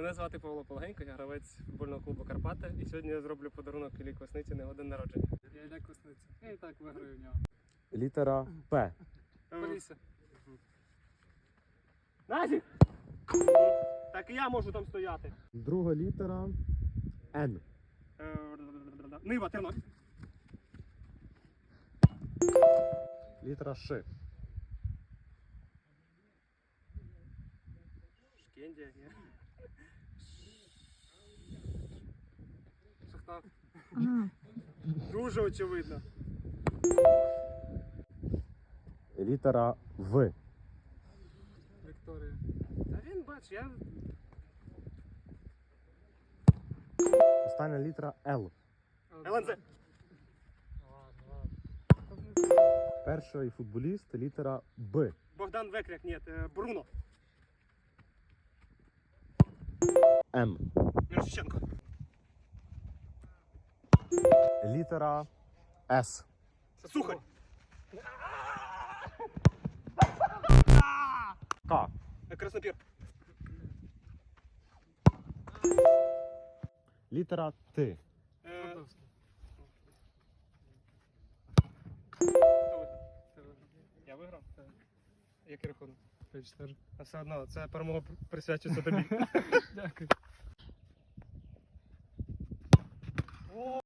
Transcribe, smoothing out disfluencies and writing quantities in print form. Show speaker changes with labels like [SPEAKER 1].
[SPEAKER 1] Мене звати Павло Полегенько, я гравець футбольного клубу Карпати. І сьогодні я зроблю подарунок Іллі Квасниці на його день народження.
[SPEAKER 2] Я Ілля Квасниця. Я і так виграю в нього.
[SPEAKER 3] Літера П.
[SPEAKER 2] Полісся.
[SPEAKER 1] Назік! Так і я можу там стояти.
[SPEAKER 3] Друга літера Н.
[SPEAKER 1] Нива, Тернопіль.
[SPEAKER 3] Літера Ш.
[SPEAKER 1] Шкендія, ні.
[SPEAKER 2] Шахтар.
[SPEAKER 1] Дуже очевидно.
[SPEAKER 3] Літера В.
[SPEAKER 2] Вікторія.
[SPEAKER 1] Та він, бач, я...
[SPEAKER 3] Остання літера Л.
[SPEAKER 1] ЛНЗ.
[SPEAKER 2] Ладно.
[SPEAKER 3] Перший футболіст літера Б.
[SPEAKER 1] Богдан Векряк, ні, Бруно.
[SPEAKER 3] М.
[SPEAKER 1] Мірошниченко.
[SPEAKER 3] Літера С.
[SPEAKER 1] Сухарь.
[SPEAKER 3] К.
[SPEAKER 1] Краснопір.
[SPEAKER 3] Літера Т.
[SPEAKER 2] Фордовський.
[SPEAKER 1] Хто виграв?
[SPEAKER 2] Ти виграв.
[SPEAKER 1] Я виграв? Який рахунок?
[SPEAKER 2] 5-4.
[SPEAKER 1] А все одно, це перемога присвячується тобі.
[SPEAKER 2] Дякую.